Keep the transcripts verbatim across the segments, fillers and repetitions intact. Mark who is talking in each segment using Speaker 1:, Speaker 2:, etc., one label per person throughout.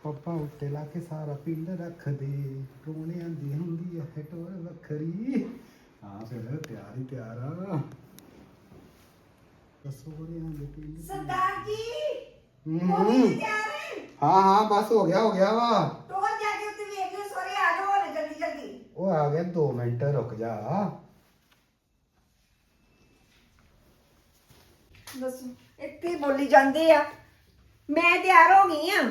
Speaker 1: ਪੱਪਾ ਉੱਤੇ ਲਾ ਕੇ ਸਾਰਾ ਪਿੰਡ ਰੱਖਦੇ ਰੋਣਿਆਂ ਦੀ ਹੁੰਦੀ ਹੈ ਟੋਰ ਵੱਖਰੀ। ਹਾਂ ਫਿਰ ਤਿਆਰ ਹੀ ਤਿਆਰ ਆ ਸੋਹਣਿਆਂ ਦੇ ਪਿੰਡ
Speaker 2: ਸਰਦਾਰ ਜੀ
Speaker 1: ਹੂੰ।
Speaker 2: ਹੋ ਗਈ ਜੀ ਤਿਆਰ ਹੈ?
Speaker 1: ਹਾਂ ਹਾਂ ਬਸ ਹੋ ਗਿਆ ਹੋ ਗਿਆ ਵਾ।
Speaker 2: ਟੋਰ ਜਾ ਕੇ ਉੱਤੇ ਵੇਖ ਲਿਓ ਸੋਰੇ ਆ ਜਾਓ ਹੁਣ ਜਲਦੀ ਜਲਦੀ।
Speaker 1: ਉਹ ਆ ਗਿਆ ਦੋ ਮਿੰਟ ਰੁਕ ਜਾ।
Speaker 2: ਦੱਸੋ ਇੱਥੇ ਬੋਲੀ ਜਾਂਦੇ ਆ ਮੈਂ ਤਿਆਰ ਹੋ ਗਈ ਆ।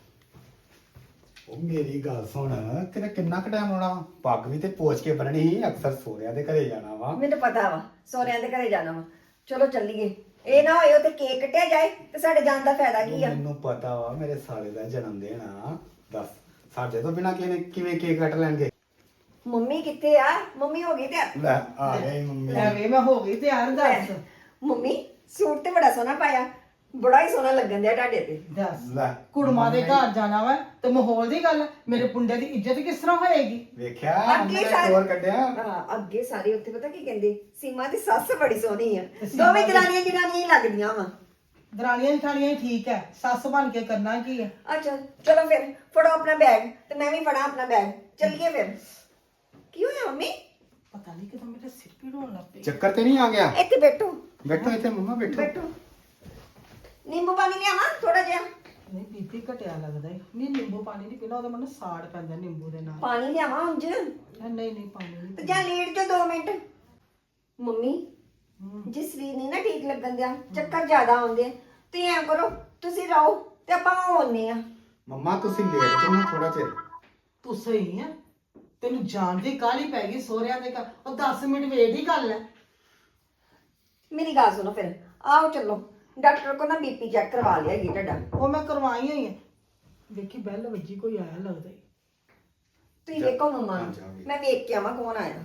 Speaker 1: ਉਹ ਮੇਰੀ ਗੱਲ ਸੁਣ ਕਿਤੇ ਕਿੰਨਾ ਕੁ ਟਾਈਮ ਲਾਉਣਾ ਵਾ? ਪੱਗ ਵੀ ਤੇ ਪੋਚ ਕੇ ਬੰਨਣੀ ਸੀ ਅਕਸਰ ਸੋਹਰਿਆਂ ਦੇ ਘਰੇ ਜਾਣਾ ਵਾ।
Speaker 2: ਮੈਨੂੰ ਪਤਾ ਵਾ ਸੋਹਰਿਆਂ ਦੇ ਘਰੇ ਜਾਣਾ ਵਾ। ਚਲੋ ਚੱਲੀਏ ਇਹ ਨਾ ਹੋਏ ਤੇ ਕੇਕ ਕੱਟਿਆ ਜਾਏ ਤੇ ਸਾਡੇ ਜਾਣ ਦਾ ਫਾਇਦਾ ਕੀ ਆ।
Speaker 1: ਮੈਨੂੰ ਪਤਾ ਵਾ ਮੇਰੇ ਸਾਲੇ ਦਾ ਜਨਮ ਦਿਨ ਆ। ਦੱਸ ਸਾਡੇ ਤੋਂ ਬਿਨਾ ਕਿਵੇਂ ਕਿਵੇਂ ਕੇਕ ਕੱਟ ਲੈਣਗੇ?
Speaker 2: ਮੰਮੀ ਕਿੱਥੇ ਆ? ਮੰਮੀ ਹੋ ਗਈ ਤਿਆਰ?
Speaker 1: ਲੈ ਆ ਗਈ ਮੰਮੀ।
Speaker 3: ਲੈ ਵੇ ਮੈਂ ਹੋ ਗਈ ਤਿਆਰ। ਦੱਸ
Speaker 2: ਮੰਮੀ ਸੂਟ ਤੇ ਬੜਾ ਸੋਹਣਾ ਪਾਇਆ ਬੜਾ ਹੀ ਸੋਹਣਾ ਲੱਗਣ ਦਿਆ ਤੁਹਾਡੇ ਤੇ।
Speaker 3: ਦੱਸ
Speaker 1: ਲੈ
Speaker 3: ਕੁੜਮਾ ਦੇ ਘਰ ਜਾਣਾ ਵਾ ਤੇ ਮਾਹੌਲ ਦੀ ਗੱਲ ਮੇਰੇ ਪੁੰਡੇ ਦੀ ਇੱਜ਼ਤ ਕਿਸ ਤਰ੍ਹਾਂ ਹੋਏਗੀ?
Speaker 1: ਵੇਖਿਆ
Speaker 2: ਅੱਗੇ
Speaker 1: ਮੈਂ
Speaker 2: ਸਾਰੇ-
Speaker 1: ਟੋਰ ਕੱਢਿਆ।
Speaker 2: ਹਾਂ ਅੱਗੇ ਸਾਰੇ ਉੱਥੇ ਪਤਾ ਕੀ ਕਹਿੰਦੇ ਸੀਮਾ ਦੀ ਸੱਸ ਬੜੀ ਸੋਹਣੀ ਆ। ਦੋਵੇਂ ਦਰਾਨੀਆਂ ਜਨਾਨੀਆਂ ਹੀ ਲੱਗਦੀਆਂ ਵਾ।
Speaker 3: ਦਰਾਣੀਆਂ ਜਠਾਣੀਆਂ ਹੀ ਠੀਕ ਹੈ, ਸੱਸ ਬਣ ਕੇ ਕਰਨਾ ਕੀ ਹੈ?
Speaker 2: ਅੱਛਾ ਚਲੋ ਫਿਰ ਫੜੋ ਆਪਣਾ ਬੈਗ ਤੇ ਮੈਂ ਵੀ ਫੜਾਂ ਆਪਣਾ ਬੈਗ। ਚੱਲੀਏ ਫਿਰ। ਕੀ ਹੋਇਆ ਮੰਮੀ?
Speaker 3: ਪਤਾ ਨਹੀਂ ਕਿਦੋਂ ਮੇਰੇ ਸਿਰ ਪੀੜ ਹੋਣ ਲੱਗ ਪਈ।
Speaker 1: ਚੱਕਰ ਤੇ ਨਹੀਂ ਆ ਗਿਆ?
Speaker 2: ਇੱਥੇ ਬੈਠੋ
Speaker 1: ਬੈਠੋ ਇੱਥੇ ਮੰਮਾ ਬੈਠੋ।
Speaker 2: ਬੈਠੋ। ਨਿੰਬੂ ਪਾਣੀ ਲਿਆਵਾਂ ਥੋੜਾ ਜਿਹਾ?
Speaker 3: ਨਹੀਂ ਬੀਪੀ ਘਟਿਆ ਲੱਗਦਾ ਹੈ। ਨਹੀਂ ਨਿੰਬੂ ਪਾਣੀ ਨਹੀਂ ਪੀਣਾ, ਉਹਦਾ ਮੈਨੂੰ ਸਾੜ ਪੈਂਦਾ ਨਿੰਬੂ ਦੇ ਨਾਲ।
Speaker 2: ਪਾਣੀ ਲਿਆਵਾਂ ਉਂਝ?
Speaker 3: ਨਹੀਂ ਨਹੀਂ ਪਾਣੀ ਨਹੀਂ
Speaker 2: ਤੇ ਜਾਂ ਲੇਟ ਜਾ ਦੋ ਮਿੰਟ। ਮੰਮੀ
Speaker 3: ਹੂੰ।
Speaker 2: ਜੇ ਸਰੀਰ ਨਹੀਂ ਨਾ ਠੀਕ ਲੱਗਣ ਦਿਆ ਚੱਕਰ ਜ਼ਿਆਦਾ ਆਉਂਦੇ ਆ ਤੇ ਐਂ ਕਰੋ ਤੁਸੀਂ ਰਹੋ ਤੇ ਆਪਾਂ ਆਉਨੇ ਆ।
Speaker 1: ਮੰਮਾ ਤੁਸੀਂ ਲੇਟ ਜਾਓ ਥੋੜਾ ਚਿਰ।
Speaker 3: ਤੂੰ ਸਹੀ ਹੈ, ਤੈਨੂੰ ਜਾਣ ਦੀ ਕਾਹਲੀ ਪੈ ਗਈ ਸੋਹਰਿਆਂ ਦੇ ਘਰ। ਉਹ ਦਸ ਮਿੰਟ ਵੇਟ ਹੀ ਕਰ ਲੈ।
Speaker 2: ਮੇਰੀ ਗੱਲ ਸੁਣੋ ਫਿਰ ਆਓ ਚੱਲੋ ਡਾਕਟਰ ਕੋਲ ਨਾ ਬੀਪੀ ਚੈੱਕ ਕਰਵਾ ਲਿਆ ਜੀ ਤੁਹਾਡਾ।
Speaker 3: ਉਹ ਮੈਂ ਕਰਵਾਈ ਹੋਈ ਹੈ। ਵੇਖੀ ਬੈਲ ਵੱਜੀ, ਕੋਈ ਆਇਆ ਲੱਗਦਾ ਈ।
Speaker 2: ਤੁਸੀਂ ਵੇਖੋ ਮੰਮਾ ਨੂੰ।
Speaker 1: ਹਾਂ, ਜਾਵਾਂਗੇ।
Speaker 2: ਮੈਂ ਵੇਖ ਕੇ ਆਵਾਂ ਕੌਣ ਆਇਆ।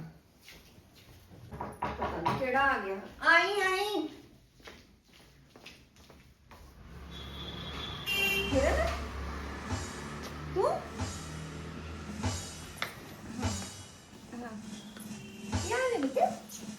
Speaker 2: ਪਤਾ ਨੀ ਕਿਹੜਾ ਆ ਗਿਆ। ਆਈ ਆਈ ਕਿਰਨ ਤੂੰ ਯਾਰ ਇਹ ਬੇਟਾ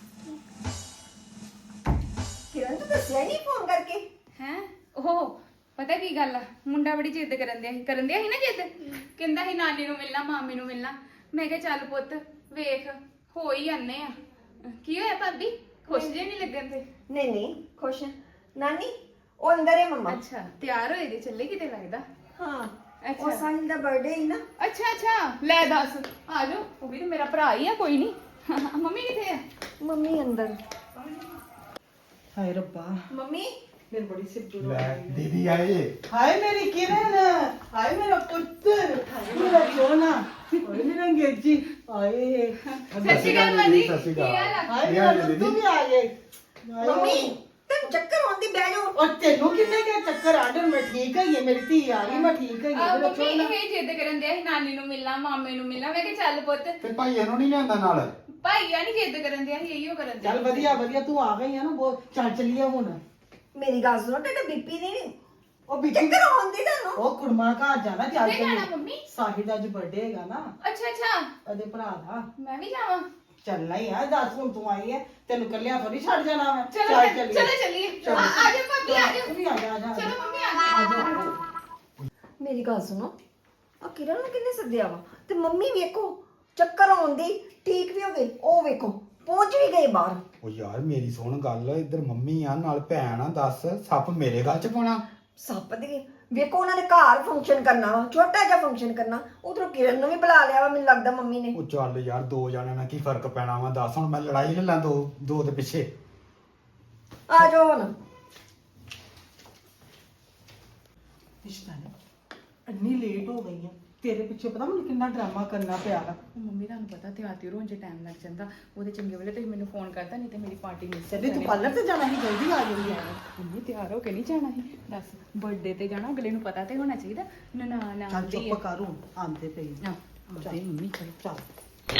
Speaker 2: ਕਿਰਨ ਤੂੰ ਦੱਸਿਆ ਨਹੀਂ ਫੋਨ ਕਰਕੇ?
Speaker 4: ਹੈ ਉਹ ਪਤਾ ਕੀ ਗੱਲ ਆ, ਮੁੰਡਾ ਬੜੀ ਜਿੱਦ ਕਰਨ ਦਿਆ ਸੀ ਕਰਨ ਦਿਆ ਸੀ ਨਾ ਜਿੱਦ। ਕਹਿੰਦਾ ਸੀ ਨਾਨੀ ਨੂੰ ਮਿਲਣਾ ਮਾਮੀ ਨੂੰ ਮਿਲਣਾ। ਮੈਂ ਕਿਹਾ ਚੱਲ ਪੁੱਤ ਵੇਖ ਹੋ ਹੀ ਆਨੇ ਆ। ਕੀ ਹੋਇਆ ਭਾਬੀ, ਖੁਸ਼ ਜੇ ਨਹੀਂ ਲੱਗਣ ਤੇ?
Speaker 2: ਨਹੀਂ ਨਹੀਂ ਖੁਸ਼ ਨਾਨੀ ਉਹ ਅੰਦਰ ਹੈ ਮੰਮਾ।
Speaker 4: ਅੱਛਾ ਤਿਆਰ ਹੋਏ ਦੇ ਚੱਲੇ ਕਿਤੇ ਲੱਗਦਾ।
Speaker 2: ਹਾਂ
Speaker 4: ਅੱਛਾ।
Speaker 2: ਉਹ ਸਾਹਿਲ ਦਾ ਬਰਥਡੇ ਹੀ ਨਾ।
Speaker 4: ਅੱਛਾ ਅੱਛਾ ਲੈ ਦੱਸ ਆ ਜਾਓ। ਉਹ ਵੀ ਤਾਂ ਮੇਰਾ ਭਰਾ ਹੀ ਆ ਕੋਈ ਨਹੀਂ। ਮੰਮੀ ਕਿੱਥੇ ਆ?
Speaker 2: ਮੰਮੀ ਅੰਦਰ।
Speaker 3: ਹਾਏ ਰੱਬਾ,
Speaker 2: ਮੰਮੀ
Speaker 3: ਮੇਰੀ ਬੜੀ ਸਿਰ ਪੀੜ ਹੋ
Speaker 1: ਲੈ
Speaker 3: ਰਹੀ ਹੈ।
Speaker 1: ਦੀਦੀ ਆਏ।
Speaker 3: ਹਾਏ ਮੇਰੀ ਕਿਰਨ, ਹਾਏ ਮੇਰਾ ਪੁੱਤਰ, ਹਾਏ ਮੇਰਾ ਸੋਨਾ, ਹਾਏ ਮੇਰਾ ਅੰਗਰੇਜ਼ੀ, ਹਾਏ
Speaker 4: ਸਤਿ ਸ਼੍ਰੀ ਅਕਾਲ ਭਾਜੀ।
Speaker 1: ਸਤਿ ਸ਼੍ਰੀ
Speaker 4: ਕੀ ਹਾਲ
Speaker 1: ਅਕਾਲ।
Speaker 4: ਆ?
Speaker 3: ਹਾਏ ਮੇਰਾ ਲੱਡੂ ਵੀ ਆ ਗਏ। ਹਾਏ।
Speaker 2: ਮੰਮੀ ਤੈਨੂੰ ਚੱਕਰ ਆਉਂਦੀ ਬਹਿ ਜਾਓ।
Speaker 3: ਉਹ ਤੈਨੂੰ ਕਿੰਨੇ ਕੇ ਚੱਕਰ ਆਡਰ? ਮੈਂ ਠੀਕ ਹੈਗੀ ਹੈ, ਮੇਰੀ ਧੀ ਆ ਗਈ, ਮੈਂ ਠੀਕ ਹੈਗੀ
Speaker 4: ਆ
Speaker 3: ਹਾਂ। ਮੇਰਾ
Speaker 4: ਮੰਮੀ
Speaker 3: ਸੋਨਾ
Speaker 4: ਇਹ ਜਿੱਦ ਕਰਨ ਦਿਆ ਸੀ ਨਾਨੀ ਨੂੰ ਮਿਲਣਾ ਮਾਮੇ ਨੂੰ ਮਿਲਣਾ। ਮੈਂ ਕਿਹਾ ਚੱਲ ਪੁੱਤ
Speaker 1: ਤੇ ਭਾਈ ਇਹਨੂੰ ਨਹੀਂ ਲਿਆਂਦਾ ਨਾਲ?
Speaker 4: ਭਾਈਆ ਨਹੀਂ ਜਿੱਦ ਕਰਨ ਦਿਆ ਸੀ ਇਹੀਓ ਕਰਨ ਦਿਆ।
Speaker 3: ਚੱਲ ਵਧੀਆ ਵਧੀਆ, ਤੂੰ ਆ ਗਈ ਹੈ ਨਾ, ਬਹੁਤ ਚੱਲ ਚੱਲੀਏ ਹੁਣ।
Speaker 2: ਮੇਰੀ ਗੱਲ ਸੁਣੋ ਤੁਹਾਡਾ ਬੀਪੀ ਨਹੀਂ
Speaker 3: ਉਹ ਵੀ
Speaker 2: ਚੱਕਰ ਆਉਂਦੀ ਤੁਹਾਨੂੰ?
Speaker 3: ਉਹ ਕੁੜਮਾ ਘਰ ਜਾਣਾ, ਚੱਲ
Speaker 4: ਕਿੱਥੇ ਜਾਣਾ
Speaker 3: ਚੱਲੀਏ।
Speaker 4: ਮੰਮੀ?
Speaker 3: ਸਾਹਿਲ ਦਾ ਅੱਜ ਬਰਥਡੇ ਹੈਗਾ ਨਾ,
Speaker 4: ਅੱਛਾ ਅੱਛਾ
Speaker 3: ਉਹਦੇ ਭਰਾ ਦਾ।
Speaker 4: ਮੈਂ ਵੀ ਜਾਵਾਂ?
Speaker 3: ਚੱਲਣਾ ਹੀ ਆ, ਦੱਸ ਹੁਣ ਤੂੰ ਆਈ ਹੈ, ਤੈਨੂੰ ਕੱਲਿਆਂ ਥੋੜੀ ਛੱਡ ਜਾਣਾ ਮੈਂ।
Speaker 4: ਚਲੋ
Speaker 3: ਚੱਲ
Speaker 4: ਫਿਰ,
Speaker 3: ਚੱਲੀਏ।
Speaker 4: ਚਲੋ ਚੱਲੀਏ।
Speaker 3: ਚਲੋ।
Speaker 4: ਆ ਆ ਜਾ ਭਾਬੀ ਆ ਜਾ।
Speaker 3: ਤੂੰ ਵੀ ਆ ਜਾ, ਆ ਜਾ।
Speaker 4: ਚਲੋ ਮੰਮੀ ਆ ਜਾ।
Speaker 3: ਆ ਜਾ।
Speaker 2: ਮੇਰੀ ਗੱਲ ਸੁਣੋ ਆ ਕਿਰਨ ਨੂੰ ਕਿੰਨੇ ਸੱਦਿਆ ਵਾ ਤੇ ਮੰਮੀ ਵੇਖੋ ਚੱਕਰ ਆਉਂਦੀ ਠੀਕ ਵੀ ਹੋ ਗਏ ਉਹ ਵੇਖੋ ਪਹੁੰਚ ਵੀ ਗਏ ਬਾਹਰ।
Speaker 1: ਉਹ ਯਾਰ ਮੇਰੀ ਸੁਣ ਗੱਲ, ਇੱਧਰ ਮੰਮੀ ਆ ਨਾਲ ਭੈਣ ਆ। ਦੱਸ ਸੱਪ ਮੇਰੇ ਗੱਲ ਚ ਪਾਉਣਾ?
Speaker 2: ਸੱਪ ਦੇ ਵੇਖੋ ਉਹਨਾਂ ਨੇ ਘਰ ਫੰਕਸ਼ਨ ਕਰਨਾ ਵਾ ਛੋਟਾ ਜਿਹਾ ਫੰਕਸ਼ਨ ਕਰਨਾ ਉਧਰੋਂ ਕਿਰਨ ਨੂੰ ਵੀ ਬੁਲਾ ਲਿਆ ਵਾ ਮੈਨੂੰ ਲੱਗਦਾ ਮੰਮੀ ਨੇ।
Speaker 1: ਉਹ ਚੱਲ ਯਾਰ ਦੋ ਜਣਿਆਂ ਨਾਲ ਕੀ ਫਰਕ ਪੈਣਾ ਵਾ? ਦੱਸ ਹੁਣ ਮੈਂ ਲੜਾਈ ਲੈ ਲਾਂ ਦੋ ਦੋ ਦੇ ਪਿੱਛੇ?
Speaker 2: ਆ ਜਾਓ ਹੁਣ।
Speaker 3: ਰਿਸ਼ਤਾ ਨਹੀਂ ਇੰਨੀ ਲੇਟ ਹੋ ਗਈ ਹੈ, ਤੇਰੇ ਪਿੱਛੇ ਪਤਾ ਮੈਨੂੰ ਕਿੰਨਾ ਡਰਾਮਾ ਕਰਨਾ ਪਿਆ ਵਾ।
Speaker 4: ਮੰਮੀ ਤੁਹਾਨੂੰ ਪਤਾ ਤਿਆਰ ਤਿਉਰ ਹੋਣ 'ਚ ਟਾਈਮ ਲੱਗ ਜਾਂਦਾ। ਉਹਦੇ ਚੰਗੇ ਵੇਲੇ ਤੁਸੀਂ ਮੈਨੂੰ ਫੋਨ ਕਰਤਾ ਨਹੀਂ ਤੇ ਮੇਰੀ ਪਾਰਟੀ ਮਿਸ
Speaker 3: ਚੱਲੇ ਤੂੰ ਪਾਰਲਰ ਤੇ ਜਾਣਾ ਸੀ, ਜਲਦੀ ਆ ਗਈ ਹੈ।
Speaker 4: ਮੰਮੀ ਤਿਆਰ ਹੋ ਕੇ ਨਹੀਂ ਜਾਣਾ ਸੀ? ਦੱਸ ਬਰਥਡੇ ਤੇ ਜਾਣਾ, ਅਗਲੇ ਨੂੰ ਪਤਾ ਤੇ ਹੋਣਾ ਚਾਹੀਦਾ। ਨਨਾਣ
Speaker 3: ਚੱਲ
Speaker 4: ਆਉਂਦੀ
Speaker 3: ਚੁੱਪ ਕਰ ਹੁਣ, ਆਂਦੇ ਪਈ
Speaker 4: ਆ ਆਉਂਦੇ ਮੰਮੀ ਚਲੋ।
Speaker 3: ਚੱਲ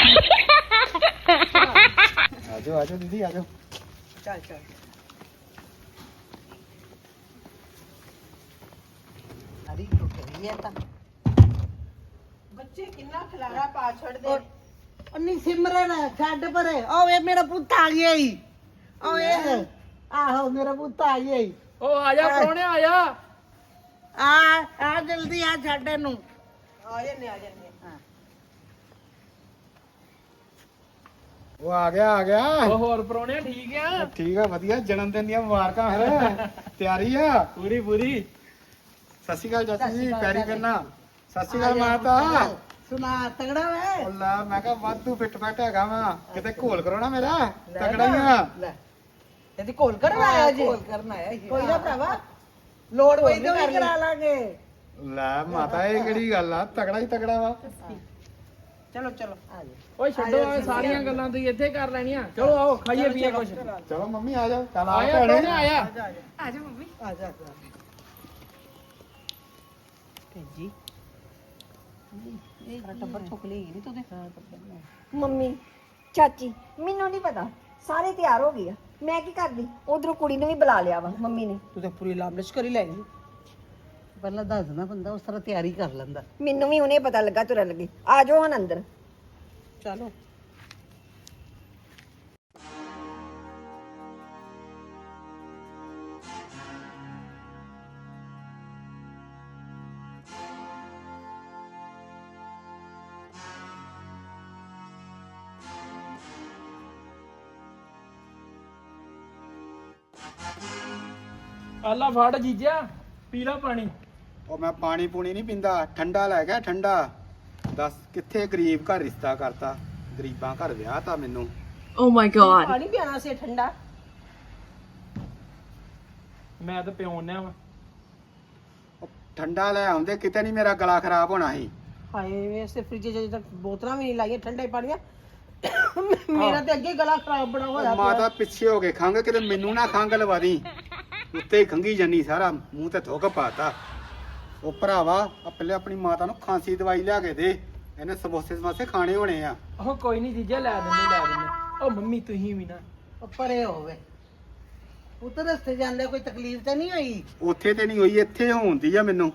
Speaker 1: ਆਜੋ ਆਜੋ ਦੀਦੀ ਆਜੋ।
Speaker 3: ਚੱਲ ਚੱਲ। ਅਰੇ ਰੁਕ ਗਈ ਹੈ ਤਾਂ ਬੱਚੇ ਕਿੰਨਾ ਖਲਾਰਾ ਪਾ ਛੱਡਦੇ। ਅੰਨੀ ਸਿਮਰਨ ਛੱਡ ਪਰੇ। ਓ ਵੇ ਮੇਰਾ ਪੁੱਤ ਆ ਗਿਆ ਈ। ਓ ਇਹ ਆਹੋ ਮੇਰਾ ਪੁੱਤ ਆ ਗਿਆ ਈ।
Speaker 5: ਉਹ ਆ ਜਾ ਪ੍ਰਾਹੁਣੇ ਆ ਜਾ।
Speaker 3: ਆ ਆ ਜਲਦੀ ਆ ਛੱਡ ਇਹਨੂੰ ਆ ਜੰਨੇ ਆ ਜੰਨੇ ਹਾਂ
Speaker 1: ਉਹ ਆ ਗਿਆ ਆ ਗਿਆ
Speaker 5: ਉਹ ਹੋਰ ਪਰੋਣੇ ਠੀਕ ਆ
Speaker 1: ਠੀਕ ਆ ਵਧੀਆ ਜਨਮ ਦਿਨ ਦੀਆਂ ਮੁਬਾਰਕਾਂ ਫਿਰ ਤਿਆਰੀ ਆ
Speaker 5: ਪੂਰੀ ਪੂਰੀ
Speaker 1: ਸਤਿ ਸ਼੍ਰੀ ਅਕਾਲ ਚਾਚੀ ਜੀ ਪੈਰੀ ਕਰਨਾ ਸਤਿ ਸ਼੍ਰੀ ਅਕਾਲ ਮਾਤਾ
Speaker 3: ਸੁਣਾ ਤਗੜਾ ਵੇ
Speaker 1: ਅੱਲਾ ਮੈਂ ਕਿਹਾ ਵਾਧੂ ਫਿੱਟ ਫੱਟ ਹੈਗਾ ਵਾ ਕਿਤੇ ਘੋਲ ਕਰੋ ਨਾ ਮੇਰਾ ਤਕੜਾ ਹੀ ਆ
Speaker 3: ਲੈ ਇਹਦੀ ਕੋਲ ਕਰਨ ਆਇਆ ਜੀ ਕੋਲ ਕਰਨ ਆਇਆ ਕੋਈ ਨਾ ਭਰਾਵਾ ਲੋੜ ਪਈ ਤਾਂ ਵੀ ਕਰਾ ਲਾਂਗੇ
Speaker 1: ਲੈ ਮਾਤਾ ਇਹ ਕਿਹੜੀ ਗੱਲ ਆ ਤਕੜਾ ਹੀ ਤਕੜਾ ਵਾ
Speaker 3: ਚਲੋ ਚਲੋ ਆ ਜਾ
Speaker 5: ਓਏ ਛੱਡੋ ਐ ਸਾਰੀਆਂ ਗੱਲਾਂ ਤੁਸੀਂ ਇੱਥੇ ਕਰ ਲੈਣੀਆਂ ਚਲੋ ਆਓ ਖਾਈਏ ਪੀਏ ਕੁਛ
Speaker 1: ਚਲੋ ਮੰਮੀ ਆ ਜਾਓ ਚੱਲ ਆ
Speaker 5: ਆਇਆ
Speaker 1: ਭੈਣੇ
Speaker 5: ਪਰੋਣੇ ਆਇਆ
Speaker 4: ਆ ਜਾ ਮੰਮੀ
Speaker 3: ਆ ਜਾ ਭੇਜੀ ਇਹ ਟੱਬਰ ਚੁੱਕ ਲਈ ਨਹੀਂ ਤੂੰ ਤੇ
Speaker 2: ਮੰਮੀ ਚਾਚੀ ਮੈਨੂੰ ਨਹੀਂ ਪਤਾ ਸਾਰੇ ਤਿਆਰ ਹੋ ਗਏ ਆ ਮੈਂ ਕੀ ਕਰਦੀ ਉਧਰੋਂ ਕੁੜੀ ਨੂੰ ਵੀ ਬੁਲਾ ਲਿਆ ਵਾ ਮੰਮੀ ਨੇ
Speaker 3: ਤੂੰ ਤਾਂ ਪੂਰੀ ਲਾਮਲਿਸ਼ ਕਰੀ ਲੈ ਗਈ ਪਹਿਲਾਂ ਦੱਸ ਦਿੰਦਾ ਬੰਦਾ ਉਸ ਤਰ੍ਹਾਂ ਤਿਆਰੀ ਕਰ ਲੈਂਦਾ
Speaker 2: ਮੈਨੂੰ ਵੀ ਉਹਨੇ ਪਤਾ ਲੱਗਾ ਤੁਰਨ ਲੱਗੇ ਆ ਜਾਓ ਹੁਣ ਅੰਦਰ
Speaker 3: ਚਲੋ
Speaker 5: ਆਲਾ ਫੜ ਜੀਜਾ ਪੀ ਲਾ ਪਾਣੀ
Speaker 1: ਉਹ ਮੈਂ ਪਾਣੀ ਪੂਣੀ ਨਹੀਂ ਪੀਂਦਾ ਠੰਡਾ ਲੈ ਗਿਆ ਠੰਡਾ ਦੱਸ ਕਿੱਥੇ ਗਰੀਬ ਘਰ ਰਿਸ਼ਤਾ ਕਰਤਾ ਗਰੀਬਾਂ ਘਰ ਵਿਆਹ ਤਾਂ ਮੈਨੂੰ
Speaker 2: ਓ ਮਾਈ ਗॉड
Speaker 3: ਪਾਣੀ ਪਿਆਣਾ ਸੀ ਠੰਡਾ
Speaker 5: ਮੈਂ ਤਾਂ ਪਿਉਣਿਆ ਵਾ
Speaker 1: ਉਹ ਠੰਡਾ ਲੈ ਆਉਂਦੇ ਕਿਤੇ ਨਹੀਂ ਮੇਰਾ ਗਲਾ ਖਰਾਬ ਹੋਣਾ ਸੀ
Speaker 3: ਹਾਏ ਵੈਸੇ ਫ੍ਰਿਜ 'ਚ ਜਦ ਬੋਤਲਾਂ ਵੀ ਨਹੀਂ ਲਾਈਆਂ ਠੰਡੇ ਪਾਣੀਆਂ ਮੇਰਾ ਤੇ ਅੱਗੇ ਗਲਾ ਖਰਾਬ ਬੜਾ ਹੋਇਆ
Speaker 1: ਉਹ ਮਾਤਾ ਪਿੱਛੇ ਹੋ ਕੇ ਖੰਗ ਕਿਤੇ ਮੈਨੂੰ ਨਾ ਖੰਗ ਲਵਾ ਦੀ ਉੱਤੇ ਹੀ ਖੰਗੀ ਜਾਨੀ ਸਾਰਾ ਮੂੰਹ ਤੇ ਥੁੱਕ ਪਾਤਾ ਉਹ ਭਰਾਵਾ ਆ ਪਹਿਲੇ ਆਪਣੀ ਮਾਤਾ ਨੂੰ ਖਾਂਸੀ ਦਵਾਈ ਲਿਆ ਕੇ ਦੇ ਇਹਨੇ ਸਮੋਸੇ ਸਮਾਸੇ ਖਾਣੇ ਹੋਣੇ ਆ
Speaker 5: ਉਹ ਕੋਈ ਨਹੀਂ ਜੀਜਾ ਲੈ ਦਿੰਦੇ ਲੈ ਦਿੰਦੇ ਉਹ ਮੰਮੀ ਤੁਸੀਂ ਵੀ ਨਾ
Speaker 3: ਉਹ ਪਰੇ ਹੋਵੇ ਉਤਰ ਰਸਤੇ ਜਾਂਦੇ ਕੋਈ ਤਕਲੀਫ ਤਾਂ ਨਹੀਂ ਹੋਈ
Speaker 1: ਉੱਥੇ ਤੇ ਨਹੀਂ ਹੋਈ ਇੱਥੇ ਹੁੰਦੀ ਆ ਮੈਨੂੰ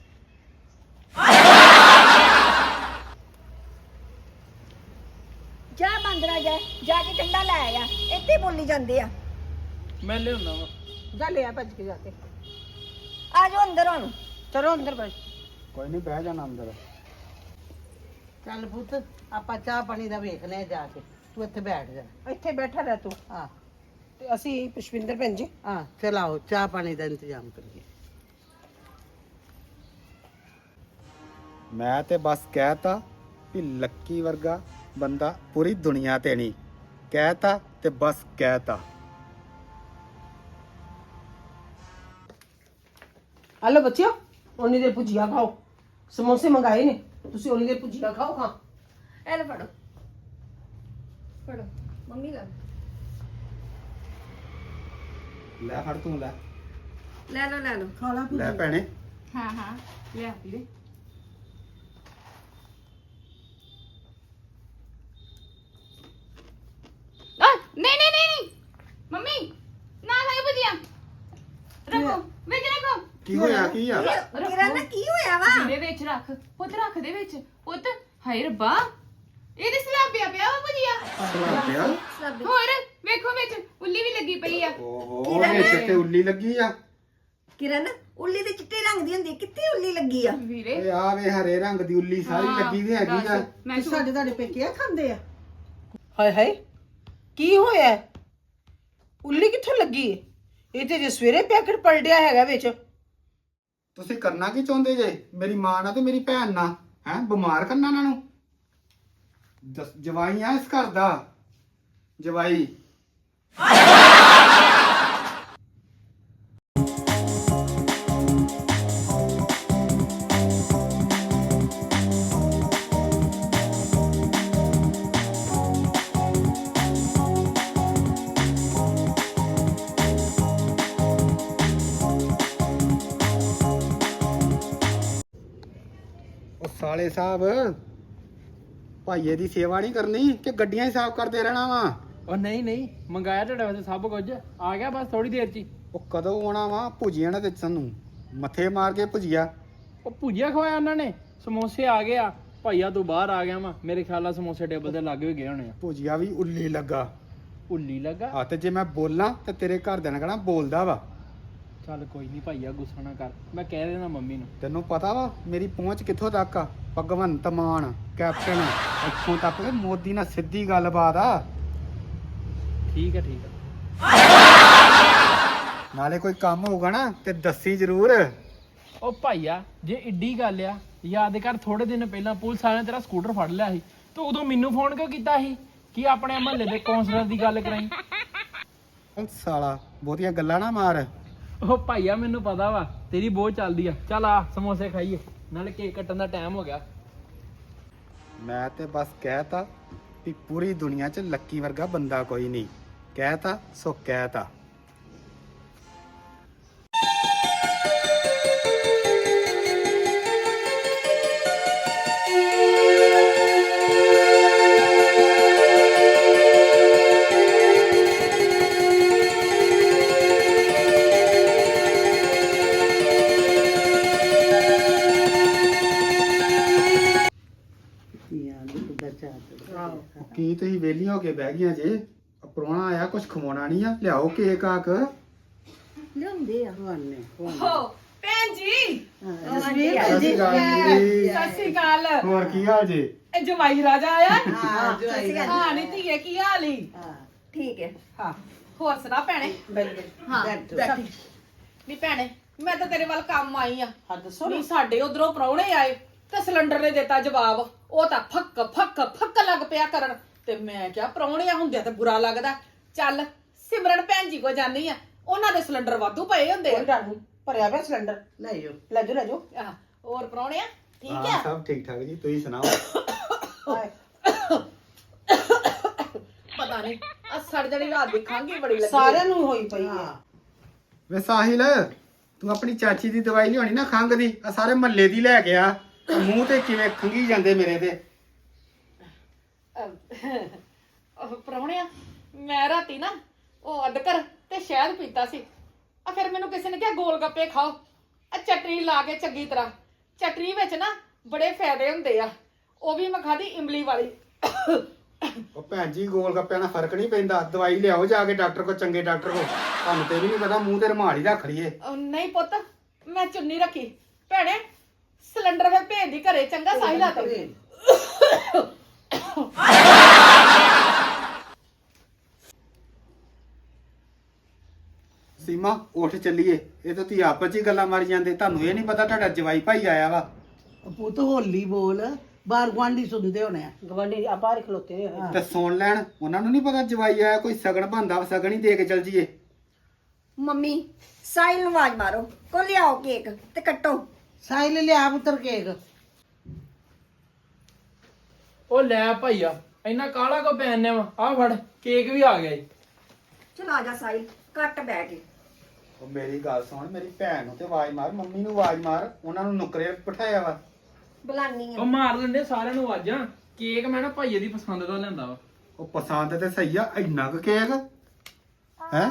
Speaker 2: ਜਾ ਬੰਦਰਾ ਜਾ ਜਾ ਕੇ ਠੰਡਾ ਲੈ ਆਇਆ ਇੱਥੇ ਬੋਲੀ ਜਾਂਦੇ ਆ
Speaker 5: ਮੈਂ ਲਿਆਉਣਾ ਵਾ
Speaker 3: ਜਾ ਲਿਆ ਭੱਜ ਕੇ ਜਾ ਕੇ
Speaker 2: ਆ ਜਾਓ ਅੰਦਰ ਹੁਣ
Speaker 3: ਚਲੋ ਅੰਦਰ ਬੈਠ
Speaker 1: ਕੋਈ ਨਹੀਂ ਬਹਿ ਜਾਣਾ ਅੰਦਰ
Speaker 3: ਚੱਲ ਪੁੱਤ ਆਪਾਂ ਚਾਹ ਪਾਣੀ ਦਾ ਵੇਖਨੇ ਆ ਜਾ ਕੇ ਤੂੰ ਇੱਥੇ ਬੈਠ ਜਾ ਇੱਥੇ ਬੈਠਾ ਰਹਿ ਤੂੰ ਹਾਂ ਤੇ ਅਸੀਂ ਪੁਸ਼ਪਿੰਦਰ ਭੈਣ ਜੀ ਹਾਂ ਚਲਾਓ ਚਾਹ ਪਾਣੀ ਦਾ ਇੰਤਜ਼ਾਮ ਕਰੀਏ
Speaker 1: ਮੈਂ ਤੇ ਬਸ ਕਹਿਤਾ ਵੀ ਲੱਕੀ ਵਰਗਾ ਬੰਦਾ ਪੂਰੀ ਦੁਨੀਆ ਤੇ ਨਹੀਂ ਕਹਿਤਾ ਤੇ ਬਸ ਕਹਿਤਾ
Speaker 3: ਹਲੋ ਬੱਚਿਓ ਉਨੀ ਦੇਰ ਭੁਜੀਆ ਖਾਓ ਸਮੋਸੇ ਮੰਗਾਏ ਨੇ ਤੁਸੀਂ ਉਨੀ ਦੇਰ ਭੁਜੀਆ ਖਾਓ ਖਾਂ
Speaker 2: ਇਹ ਲੈ ਫੜੋ ਫੜੋ ਮੰਮੀ ਦਾ
Speaker 1: ਲੈ ਫੜ ਤੂੰ ਲੈ
Speaker 2: ਲੈ ਲਓ ਲੈ ਲਓ
Speaker 3: ਖਾ ਲਾ
Speaker 1: ਲੈ ਭੈਣੇ
Speaker 4: ਹਾਂ ਹਾਂ ਲਿਆ ਵੀਰੇ ਆ ਨਹੀਂ ਨਹੀਂ ਨਹੀਂ ਨਹੀਂ ਮੰਮੀ ਨਾ ਖਾਈ ਭੁਜੀਆ ਰੱਖੋ ਵਿੱਚ ਰੱਖੋ
Speaker 1: ਕੀ ਹੋਇਆ ਕੀ ਆ
Speaker 2: ਕਿਰਨ ਕੀ ਹੋਇਆ ਵਾ
Speaker 4: ਵੀਰੇ ਵਿੱਚ ਰੱਖ ਪੁੱਤ ਰੱਖ ਦੇ ਵਿੱਚ ਪੁੱਤ ਹਾਏ ਰੱਬਾ ਇਹਦੇ ਸਲਾਬਿਆ ਪਿਆ ਵਾ ਭੁਜੀਆ ਹੋਰ ਵੇਖੋ ਵਿੱਚ ਉੱਲੀ ਵੀ ਲੱਗੀ ਪਈ ਆ
Speaker 1: ਓਹੋ ਵਿੱਚ ਤੇ ਉੱਲੀ ਲੱਗੀ ਆ
Speaker 2: ਕਿਰਨ ਉੱਲੀ ਦੇ ਚਿੱਟੇ ਰੰਗ ਦੀ ਹੁੰਦੀ ਹੈ, ਕਿੱਥੇ ਉੱਲੀ ਲੱਗੀ ਆ
Speaker 4: ਵੀਰੇ
Speaker 1: ਓਏ ਆ ਵੇ ਹਰੇ ਰੰਗ ਦੀ ਉੱਲੀ ਸਾਰੀ
Speaker 4: ਹਾਂ,
Speaker 1: ਲੱਗੀ ਵੀ ਹੈਗੀ ਆ
Speaker 4: ਦੱਸ, ਮੈਂ ਝੂਠ-
Speaker 3: ਸਾਡੇ ਤੁਹਾਡੇ ਪੇਕੇ ਆ ਖਾਂਦੇ ਆ ਹਾਏ ਹਾਏ ਕੀ ਹੋਇਆ ਉੱਲੀ ਕਿੱਥੋਂ ਲੱਗੀ ਇਹ ਤੇ ਜੇ ਸਵੇਰੇ ਪੈਕਟ ਪਲਟਿਆ ਹੈਗਾ ਵਿੱਚ
Speaker 1: ਤੁਸੀਂ ਕਰਨਾ ਕੀ ਚਾਹੁੰਦੇ ਜੇ ਮੇਰੀ ਮਾਂ ਨਾਲ ਤੇ ਮੇਰੀ ਭੈਣ ਨਾਲ ਹੈ ਬਿਮਾਰ ਕਰਨਾ ਇਹਨਾਂ ਨੂੰ ਦਸ- ਜਵਾਈ ਆ ਇਸ ਘਰ ਦਾ ਜਵਾਈ ਉਹ ਸਾਲੇ ਸਾਹਿਬ ਭਾਈਏ ਦੀ ਸੇਵਾ ਨਹੀਂ ਕਰਨੀ ਕਿ ਗੱਡੀਆਂ ਹੀ ਸਾਫ਼ ਕਰਦੇ ਰਹਿਣਾ ਵਾ
Speaker 5: ਉਹ ਨਹੀਂ ਨਹੀਂ ਮੰਗਾਇਆ ਤੁਹਾਡੇ ਵਾਸਤੇ ਸਭ ਕੁਝ ਆ ਗਿਆ ਬਸ ਥੋੜੀ ਦੇਰ ਚ ਹੀ
Speaker 1: ਉਹ ਕਦੋਂ ਆਉਣਾ ਵਾ ਭੁਜੀਆ ਨੇ ਤੇ ਸਾਨੂੰ ਮੱਥੇ ਮਾਰ ਕੇ ਭੁਜੀਆ
Speaker 5: ਉਹ ਭੁਜੀਆ ਖਵਾਇਆ ਉਹਨਾਂ ਨੇ ਸਮੋਸੇ ਆ ਗਏ ਆ ਭਾਈਆ ਤੂੰ ਬਾਹਰ ਆ ਗਿਆ ਵਾ ਮੇਰੇ ਖਿਆਲ ਨਾਲ ਸਮੋਸੇ ਟੇਬਲ ਤੇ ਲੱਗ ਵੀ ਗਏ ਹੋਣੇ ਆ
Speaker 1: ਭੁਜੀਆ ਵੀ ਉੱਲੀ ਲੱਗਾ
Speaker 5: ਉੱਲੀ ਲੱਗਾ
Speaker 1: ਆ ਤੇ ਜੇ ਮੈਂ ਬੋਲਾਂ ਤੇ ਤੇਰੇ ਘਰ ਦੇ ਨਾਲ ਕਹਣਾ ਬੋਲਦਾ ਵਾ
Speaker 5: ਚੱਲ ਕੋਈ ਨਹੀਂ ਭਾਈਆ ਗੁੱਸਾ ਨਾ ਕਰ, ਮੈਂ ਕਹਿ ਦੇਣਾ ਮੰਮੀ ਨੂੰ।
Speaker 1: ਤੈਨੂੰ ਪਤਾ ਵਾ ਮੇਰੀ ਪਹੁੰਚ ਕਿੱਥੋਂ ਤੱਕ ਆ? ਭਗਵੰਤ ਮਾਨ ਕੈਪਟਨ ਇੱਥੋਂ ਤੱਕ ਕਿ ਮੋਦੀ ਨਾਲ ਸਿੱਧੀ ਗੱਲਬਾਤ ਆ।
Speaker 5: ਠੀਕ ਹੈ ਠੀਕ ਹੈ।
Speaker 1: ਨਾਲੇ ਕੋਈ ਕੰਮ ਹੋਊਗਾ ਨਾ ਤੇ ਦੱਸੀ ਜ਼ਰੂਰ।
Speaker 5: ਉਹ ਭਾਈਆ ਜੇ ਏਡੀ ਗੱਲ ਆ, ਯਾਦ ਕਰ ਥੋੜੇ ਦਿਨ ਪਹਿਲਾਂ ਪੁਲਿਸ ਵਾਲਿਆਂ ਨੇ ਤੇਰਾ ਸਕੂਟਰ ਫੜ ਲਿਆ ਸੀ, ਤੂੰ ਉਦੋਂ ਮੈਨੂੰ ਫੋਨ ਕਿਉਂ ਕੀਤਾ ਸੀ ਕਿ ਆਪਣੇ ਮਹੱਲੇ ਦੇ ਕੌਂਸਲਰ ਦੀ ਗੱਲ ਕਰਾਈ?
Speaker 1: ਉਹ ਸਾਲਾ ਬਹੁਤੀਆਂ ਗੱਲਾਂ ਨਾ ਮਾਰ।
Speaker 5: ਉਹ ਭਾਈਆ ਮੈਨੂੰ ਪਤਾ ਵਾ ਤੇਰੀ ਬਹੁਤ ਚੱਲਦੀ ਆ। ਚੱਲ ਆ ਸਮੋਸੇ ਖਾਈਏ, ਨਾਲੇ ਕੇਕ ਕੱਟਣ ਦਾ ਟਾਈਮ ਹੋ ਗਿਆ।
Speaker 1: ਮੈਂ ਤੇ ਬਸ ਕਹਿਤਾ ਵੀ ਪੂਰੀ ਦੁਨੀਆ 'ਚ ਲੱਕੀ ਵਰਗਾ ਬੰਦਾ ਕੋਈ ਨਹੀਂ। ਕਹਿਤਾ ਸੋ ਕਹਿਤਾ।
Speaker 3: ਯਾਰ ਉਹਦਾ ਚਾਹ
Speaker 1: ਕੀ ਤੁਸੀਂ ਵਿਹਲੀ ਹੋ ਕੇ ਬਹਿ ਗਈਆਂ ਜੇ? ਪ੍ਰਾਹੁਣਾ ਆਇਆ, ਕੁਝ ਖਵਾਉਣਾ ਨਹੀਂ ਆ? ਲਿਆਓ ਕੇਕ ਆਕ।
Speaker 2: ਲਿਆਉਂਦੇ ਆ
Speaker 3: ਖਵਾਨੇ
Speaker 4: ਹੋ ਭੈਣ ਜੀ,
Speaker 3: ਜਸਵੀਰ
Speaker 1: ਸਤਿ ਸ਼੍ਰੀ ਅਕਾਲ ਜੀ।
Speaker 4: ਸਤਿ ਸ਼੍ਰੀ ਅਕਾਲ।
Speaker 1: ਹੋਰ ਕੀ ਹਾਲ ਜੀ?
Speaker 4: ਇਹ ਜਵਾਈ ਰਾਜਾ ਆਇਆ।
Speaker 3: ਹਾਂ ਜੋ ਆਏਗਾ
Speaker 4: ਹਾਂ ਨੀ ਧੀਏ, ਕੀ ਹਾਲ ਈ?
Speaker 3: ਹਾਂ
Speaker 2: ਠੀਕ ਹੈ।
Speaker 4: ਹਾਂ ਹੋਰ ਸੁਣਾ ਭੈਣੇ?
Speaker 3: ਬਿਲਕੁਲ
Speaker 4: ਹਾਂ
Speaker 3: ਬੈਠੋ।
Speaker 4: ਬੈਠੀ। ਨੀ ਭੈਣੇ ਮੈਂ ਤਾਂ ਤੇਰੇ ਵੱਲ ਕੰਮ ਆਈ ਆ।
Speaker 3: ਹਾਂ ਦੱਸੋ
Speaker 4: ਨੀ ਸਾਡੇ ਉਧਰੋਂ ਪ੍ਰਾਹੁਣੇ ਆਏ ਤੇ ਸਿਲੰਡਰ ਨੇ ਦਿੱਤਾ ਜਵਾਬ। ਉਹ ਤਾਂ ਫੱਕ ਫੱਕ ਫੱਕ ਲੱਗ ਪਿਆ ਕਰਨ, ਤੇ ਮੈਂ ਕਿਹਾ ਪ੍ਰਾਹੁਣਿਆਂ ਹੁੰਦਿਆਂ ਤੇ ਬੁਰਾ ਲੱਗਦਾ। ਚੱਲ ਸਿਮਰਨ ਭੈਣ ਜੀ ਕੋ ਜਾਨੀ ਆ, ਉਹਨਾਂ ਦੇ ਸਿਲੰਡਰ ਵਾਧੂ ਪਏ ਹੁੰਦੇ
Speaker 3: ਕੋਈ
Speaker 4: ਆ।
Speaker 3: ਗੱਲ ਨਹੀਂ, ਭਰਿਆ ਪਿਆ ਸਿਲੰਡਰ ਲੈ ਜਾਓ ਲੈ ਜਾਓ ਲੈ ਜਾਓ।
Speaker 4: ਆਹ, ਹੋਰ ਪ੍ਰਾਹੁਣਿਆ ਠੀਕ
Speaker 1: ਹਾਂ
Speaker 4: ਆ?
Speaker 1: ਸਭ ਠੀਕ ਠਾਕ ਜੀ, ਤੁਸੀਂ ਸੁਣਾਓ?
Speaker 3: ਹਾਏ,
Speaker 4: ਪਤਾ ਨਹੀਂ ਆ ਸੜ ਜਣੀ ਰਾਤ ਦੀ ਖੰਘ ਬੜੀ ਲੱਗੀ।
Speaker 3: ਸਾਰਿਆਂ ਨੂੰ ਹੋਈ ਪਈ ਹੈ।
Speaker 1: ਵੇ ਸਾਹਿਲ, ਤੂੰ ਆਪਣੀ ਚਾਚੀ ਦੀ ਦਵਾਈ ਲਿਆਉਣੀ ਨਾ ਖੰਘ ਦੀ, ਆ ਸਾਰੇ ਮਹੱਲੇ ਦੀ ਲੈ ਕੇ ਆ। ਆਹ ਮੂੰਹ ਤੇ ਕਿਵੇਂ ਖੰਗੀ ਜਾਂਦੇ ਮੇਰੇ ਤੇ।
Speaker 4: ਉਹ ਪ੍ਰਾਹੁਣਿਆ ਮੈਂ ਰਾਤੀ ਨਾ ਉਹ ਅਦਕਰ ਤੇ ਸ਼ਹਿਦ ਪੀਤਾ ਸੀ। ਆ ਫਿਰ ਮੈਨੂੰ ਕਿਸੇ ਨੇ ਕਿਹਾ ਗੋਲ ਗੱਪੇ ਖਾਓ, ਆ ਚਟਨੀ ਲਾ ਕੇ ਚੰਗੀ ਤਰ੍ਹਾਂ। ਚਟਨੀ ਵਿੱਚ ਨਾ ਬੜੇ ਫਾਇਦੇ ਹੁੰਦੇ ਆ। ਉਹ ਵੀ ਮੈਂ ਖਾਧੀ ਇਮਲੀ ਵਾਲੀ।
Speaker 1: ਉਹ ਭੈਣ ਜੀ ਗੋਲ ਗੱਪਿਆਂ ਨਾਲ ਫਰਕ ਨਹੀਂ ਪੈਂਦਾ। ਦਵਾਈ ਲਿਆਓ ਜਾ ਕੇ ਡਾਕਟਰ ਕੋ, ਚੰਗੇ ਡਾਕਟਰ ਕੋ। ਤੁਹਾਨੂੰ ਤੇ ਵੀ ਨਹੀਂ ਪਤਾ, ਮੂੰਹ ਤੇ ਰੁਮਾਲ ਹੀ ਰੱਖ ਲਈਏ।
Speaker 4: ਉਹ ਨਹੀਂ ਪੁੱਤ, ਮੈਂ ਚੁੰਨੀ ਰੱਖੀ। ਭੈਣੇ ਸਿਲੰਡਰ ਫਿਰ ਭੇਜ ਦੀ ਘਰੇ, ਚੰਗਾ ਸਾਹਿਲਾ ਤੇ।
Speaker 1: ਸੀਮਾ ਉੱਠ ਚੱਲੀਏ। ਇਹ ਤਾਂ ਤੁਸੀਂ ਆਪਸ 'ਚ ਹੀ ਗੱਲਾਂ ਮਾਰੀ ਜਾਂਦੇ। ਤੁਹਾਨੂੰ ਇਹ ਨਹੀਂ ਪਤਾ ਤੁਹਾਡਾ ਜਵਾਈ ਭਾਈ ਆਇਆ ਵਾ।
Speaker 3: ਪੁੱਤ ਹੋਲੀ ਬੋਲ, ਬਾਹਰ ਗੁਆਂਢੀ ਸੁਣਦੇ ਹੋਣੇ ਆ। ਗਵਾਂਢੀ ਆ ਬਾਹਰ ਖਲੋਤੇ ਹੋਏ।
Speaker 1: ਤੇ ਸੁਣ ਲੈਣ, ਉਹਨਾਂ ਨੂੰ ਨਹੀਂ ਪਤਾ ਜਵਾਈ ਆਇਆ। ਕੋਈ ਸਗਣ ਬੰਦਾ, ਸਗਣ ਹੀ ਦੇ ਕੇ ਚੱਲ ਜੀਏ।
Speaker 2: ਮੰਮੀ ਸਾਹਿਲ ਨੂੰ ਆਵਾਜ਼ ਮਾਰੋ, ਕੋ ਲਿਆਓ ਕੇਕ ਤੇ ਕੱਟੋ।
Speaker 3: ਸਾਹਿਲ ਲਿਆ ਪੁੱਤਰ ਕੇਕ।
Speaker 5: ਉਹ ਲੈ ਭਾਈਆ ਇੰਨਾ ਕਾਲਾ ਕੋ ਪੈਣੇ ਵਾ? ਆ ਫੜ ਕੇਕ ਵੀ ਆ ਗਿਆ ਜੀ।
Speaker 2: ਚਲ ਆ ਜਾ ਸਾਹਿਲ, ਕੱਟ ਬਹਿ ਕੇ।
Speaker 1: ਉਹ ਮੇਰੀ ਗੱਲ ਸੁਣ, ਮੇਰੀ ਭੈਣ ਨੂੰ ਤੇ ਆਵਾਜ਼ ਮਾਰ, ਮੰਮੀ ਨੂੰ ਆਵਾਜ਼ ਮਾਰ। ਉਹਨਾਂ ਨੂੰ ਨੁਕਰੇ ਬਿਠਾਇਆ ਵਾ।
Speaker 2: ਬੁਲਾਨੀ
Speaker 5: ਉਹ
Speaker 2: ਆ।
Speaker 5: ਮਾਰ ਲੈਂਦੇ ਸਾਰਿਆਂ ਨੂੰ ਆਵਾਜ਼ਾਂ। ਕੇਕ ਮੈਂ ਨਾ ਭਾਈਏ ਦੀ ਪਸੰਦ ਦਾ ਲਿਆਂਦਾ ਵਾ।
Speaker 1: ਉਹ ਪਸੰਦ ਤੇ ਸਹੀ ਆ, ਇੰਨਾ ਕੁ ਕੇਕ ਹੈ।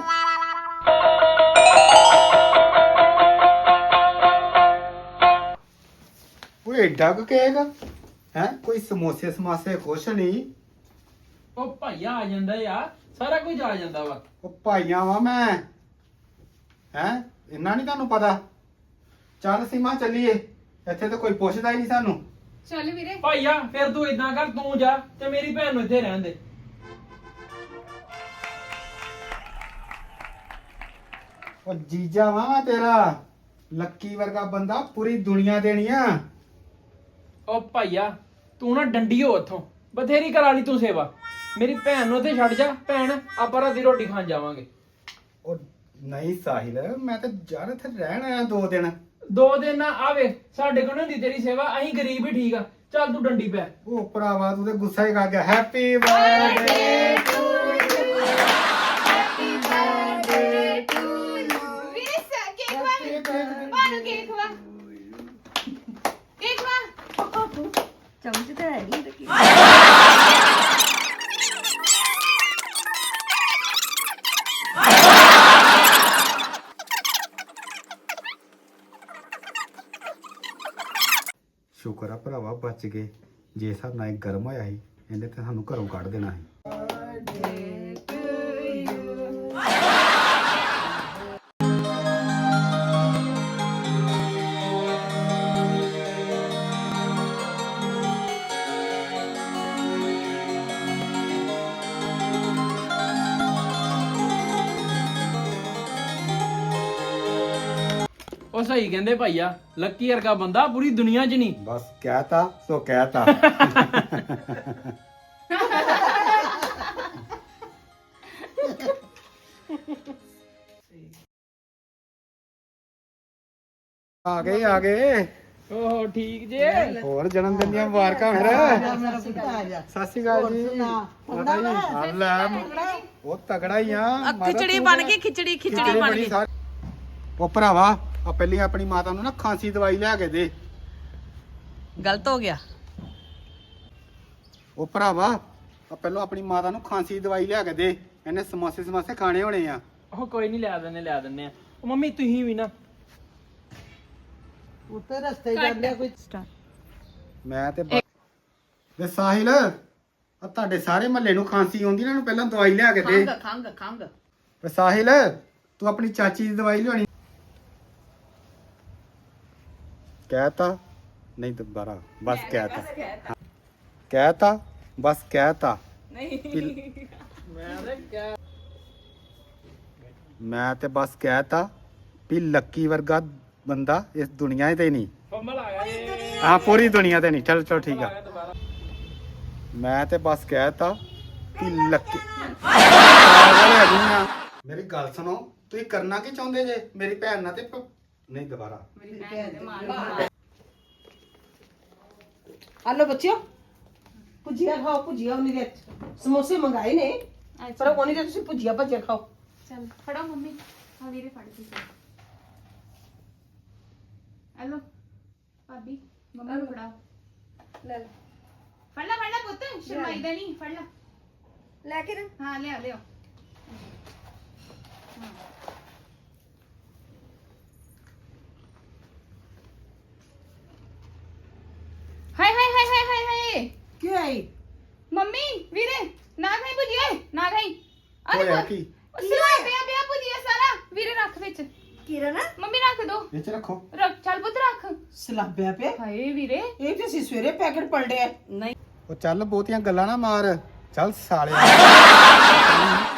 Speaker 1: ਉਹ ਏਡਾ ਕੁ ਕੇਕ ਹੈ? ਕੋਈ ਸਮੋਸੇ ਸਮਾਸੇ ਕੁਛ ਨਹੀਂ।
Speaker 5: ਉਹ ਭਾਈਆ ਆ ਜਾਂਦਾ ਯਾਰ, ਸਾਰਾ ਕੁਝ ਆ ਜਾਂਦਾ ਵਾ।
Speaker 1: ਉਹ ਭਾਈਆਂ ਵਾ ਮੈਂ ਹੈ, ਇੰਨਾ ਨਹੀਂ ਤੁਹਾਨੂੰ ਪਤਾ। ਚੱਲ ਸੀਮਾ ਚੱਲੀਏ, ਇੱਥੇ ਤਾਂ ਕੋਈ ਪੁੱਛਦਾ ਹੀ ਨਹੀਂ ਸਾਨੂੰ।
Speaker 4: ਚੱਲ ਵੀਰੇ।
Speaker 5: ਭਾਈਆ ਫਿਰ ਤੂੰ ਇਦਾਂ ਕਰ, ਤੂੰ ਜਾ ਤੇ ਮੇਰੀ ਭੈਣ ਨੂੰ ਇੱਥੇ ਰਹਿਣ ਦੇ।
Speaker 1: ਉਹ ਜੀਜਾ ਵਾ ਮੈਂ ਤੇਰਾ, ਲੱਕੀ ਵਰਗਾ ਬੰਦਾ ਪੂਰੀ ਦੁਨੀਆ ਦੇਣੀ ਆ।
Speaker 5: ਉਹ ਭਾਈਆ ਤੂੰ ਨਾ ਡੰਡੀ ਹੋ ਉੱਥੋਂ, ਬਥੇਰੀ ਕਰਾ ਲਈ ਤੂੰ ਸੇਵਾ। ਮੇਰੀ ਭੈਣ ਨੂੰ ਇੱਥੇ ਛੱਡ ਜਾ, ਭੈਣ ਆਪਾਂ ਰਾਤੀ ਰੋਟੀ ਖਾਣ ਜਾਵਾਂਗੇ।
Speaker 1: ਉਹ ਨਹੀਂ ਸਾਹਿਲ, ਮੈਂ ਤਾਂ ਯਾਰ ਇੱਥੇ ਰਹਿਣ ਆਇਆ ਦੋ ਦਿਨ।
Speaker 5: ਦੋ ਦਿਨ ਨਾ ਆਵੇ, ਸਾਡੇ ਕੋਲ ਨਹੀਂ ਤੇਰੀ ਸੇਵਾ, ਅਸੀਂ ਗਰੀਬ ਹੀ ਠੀਕ ਆ। ਚੱਲ ਤੂੰ ਡੰਡੀ ਪੈ।
Speaker 1: ਉਹ ਭਰਾਵਾ ਤੂੰ ਤੇ ਗੁੱਸਾ ਹੀ ਕਰ ਗਿਆ। ਹੈਪੀ ਬਰਥਡੇ ਟੂ
Speaker 4: ਵੀਰੇ ਸ- ਕੇਕ ਵਾ ਬਾਨੂੰ ਕੇਕ ਵਾ ਕੇਕ ਵਾ।
Speaker 2: ਚਮਚ ਤਾਂ ਹੈਗੀ ਤੇ ਕੀ।
Speaker 1: ਸ਼ੁਕਰ ਆ ਭਰਾਵਾ ਬਚ ਗਏ। ਜੇ ਹਿਸਾਬ ਨਾਲ ਇਹ ਗਰਮ ਹੋਇਆ ਸੀ, ਇਹਨੇ ਤੇ ਸਾਨੂੰ ਘਰੋਂ ਕੱਢ ਦੇਣਾ ਸੀ।
Speaker 5: ਉਹ ਸਹੀ ਕਹਿੰਦੇ ਭਾਈਆ, ਲੱਕੀ ਵਰਗਾ ਬੰਦਾ ਪੂਰੀ ਦੁਨੀਆ 'ਚ ਨਹੀਂ।
Speaker 1: ਬਸ ਕਹਿਤਾ ਸੋ ਕਹਿਤਾ। ਆ ਗਏ ਆ ਗਏ।
Speaker 5: ਓਹੋ ਠੀਕ ਜੇ।
Speaker 1: ਹੋਰ ਜਨਮ ਦਿਨ ਦੀਆਂ ਮੁਬਾਰਕਾਂ ਫਿਰ।
Speaker 3: ਮੇਰਾ ਪੁੱਤ ਆ ਜਾ।
Speaker 1: ਸਤਿ ਸ਼੍ਰੀ ਅਕਾਲ ਜੀ।
Speaker 3: ਸੁਣਾ,
Speaker 1: ਪਤਾ ਹੀ ਆ ਲੈ, ਉਹ ਤਗੜਾ ਹੀ ਆ।
Speaker 6: ਖਿਚੜੀ ਬਣ ਗਈ, ਖਿਚੜੀ ਖਿਚੜੀ ਬਣ ਗਈ।
Speaker 1: ਉਹ ਭਰਾਵਾ ਆ ਪਹਿਲੀ ਆਪਣੀ ਮਾਤਾ ਨੂੰ ਨਾ ਖਾਂਸੀ ਦਵਾਈ ਲਿਆ ਕੇ ਦੇ।
Speaker 6: ਗਲਤ ਹੋ ਗਿਆ।
Speaker 1: ਉਹ ਭਰਾਵਾ ਆ ਪਹਿਲਾਂ ਆਪਣੀ ਮਾਤਾ ਨੂੰ ਖਾਂਸੀ ਦੀ ਦਵਾਈ ਲਿਆ ਕੇ ਦੇ, ਇਹਨੇ ਸਮੋਸੇ ਸਮੋਸੇ ਖਾਣੇ ਹੋਣੇ ਆ।
Speaker 5: ਉਹ ਕੋਈ ਨਹੀਂ, ਲਿਆ ਦਿੰਨੇ ਲਿਆ ਦਿੰਨੇ ਆ। ਉਹ ਮੰਮੀ ਤੁਸੀਂ ਵੀ ਨਾ
Speaker 3: ਉੱਤੇ ਰਸਤੇ ਜਾਂਦੇ ਕੋਈ
Speaker 1: ਮੈਂ ਤੇ ਬ- ਵੇ ਸਾਹਿਲ, ਆ ਤੁਹਾਡੇ ਸਾਰੇ ਮਹੱਲੇ ਨੂੰ ਖਾਂਸੀ ਆਉਂਦੀ ਨਾ, ਇਹਨੂੰ ਪਹਿਲਾਂ ਦਵਾਈ ਲਿਆ ਕੇ ਦੇ।
Speaker 6: ਖੰਗ ਖੰਗ ਖੰਗ।
Speaker 1: ਵੇ ਸਾਹਿਲ, ਤੂੰ ਆਪਣੀ ਚਾਚੀ ਦੀ ਦਵਾਈ ਲਿਆਉਣੀ। ਕਹਿਤਾ ਨਹੀਂ ਦੁਬਾਰਾ, ਬਸ ਕਹਿਤਾ ਕਹਿਤਾ ਬਸ ਕਹਿਤਾ। ਨਹੀਂ ਮੈਂ ਤੇ ਬਸ ਕਹਿਤਾ ਵੀ ਲੱਕੀ ਵਰਗਾ ਬੰਦਾ ਇਸ ਦੁਨੀਆ ਤੇ ਨਹੀਂ।
Speaker 5: ਫੰਬਲ ਆ ਗਿਆ ਏ।
Speaker 1: ਹਾਂ ਪੂਰੀ ਦੁਨੀਆ ਤੇ ਨਹੀਂ। ਚਲ ਚਲ ਠੀਕ ਆ। ਮੈਂ ਤੇ ਬਸ ਕਹਿਤਾ ਕਿ ਲੱਕੀ ਪਾਗਲ ਹੈਗੀ ਆ। ਮੇਰੀ ਗੱਲ ਸੁਣੋ, ਤੁਸੀਂ ਕਰਨਾ ਕੀ ਚਾਹੁੰਦੇ ਜੇ ਮੇਰੀ ਭੈਣ ਨਾਲ? ਤੇ ਪ- ਨਹੀਂ ਦੁਬਾਰਾ।
Speaker 3: ਆਲੋ ਬੱਚਿਓ, ਭੁਜੀਆ ਖਾਓ। ਭੁਜੀਆ ਉਹਨੇ ਦੇ ਸਮੋਸੇ ਮੰਗਾਏ ਨੇ, ਪਰ ਉਹਨੇ ਦੇ ਤੁਸੀਂ ਭੁਜੀਆ ਭੱਜਿਆ ਖਾਓ।
Speaker 4: ਚੱਲ ਫੜੋ ਮੰਮੀ, ਆ ਵੀਰੇ ਫੜ ਕੇ ਹਲੋ ਭਾਬੀ, ਮੰਮੀ ਨੂੰ ਫੜਾਓ। ਲੈ ਲੈ, ਫੜ ਲੈ ਫੜ ਲੈ ਪੁੱਤ, ਸ਼ਰਮਾਈ ਦਾ ਨਹੀਂ, ਫੜ ਲੈ।
Speaker 2: ਲੈ ਕੇ ਨਾ
Speaker 4: ਹਾਂ ਲਿਆ ਲਿਓ। ਹਾਏ ਹਾਏ ਹਾਏ ਹਾਏ ਹਾਏ ਹਾਏ,
Speaker 3: ਕਿਉਂ ਆਈ?
Speaker 4: ਮੰਮੀ ਵੀਰੇ ਨਾ ਖਾਈ ਭੁਜੀਆ, ਨਾ ਖਾਈ। ਅਰੇ
Speaker 1: ਹੋਇਆ
Speaker 4: ਪੁੱਤ,
Speaker 1: ਕੀ?
Speaker 4: ਉਹ ਸਿਲਾ ਪਿਆ ਪਿਆ ਭੁਜੀਆ ਸਾਰਾ। ਵੀਰੇ ਰੱਖ ਵਿੱਚ,
Speaker 2: ਕਿਰਨ
Speaker 4: ਮੰਮੀ ਰੱਖ ਦੋ।
Speaker 1: ਵਿੱਚ ਰੱਖੋ।
Speaker 4: ਰੱਖ, ਚੱਲ ਪੁੱਤ ਰੱਖ।
Speaker 3: ਸਲਾਬਿਆ ਪਿਆ।
Speaker 4: ਹਾਏ ਵੀਰੇ,
Speaker 3: ਇਹ ਤੇ ਅਸੀਂ ਸਵੇਰੇ ਪੈਕਟ ਪਲਟਿਆ।
Speaker 6: ਨਹੀਂ
Speaker 1: ਉਹ ਚੱਲ ਬਹੁਤੀਆਂ ਗੱਲਾਂ ਨਾ ਮਾਰ। ਚੱਲ ਸਾਲਿਆ।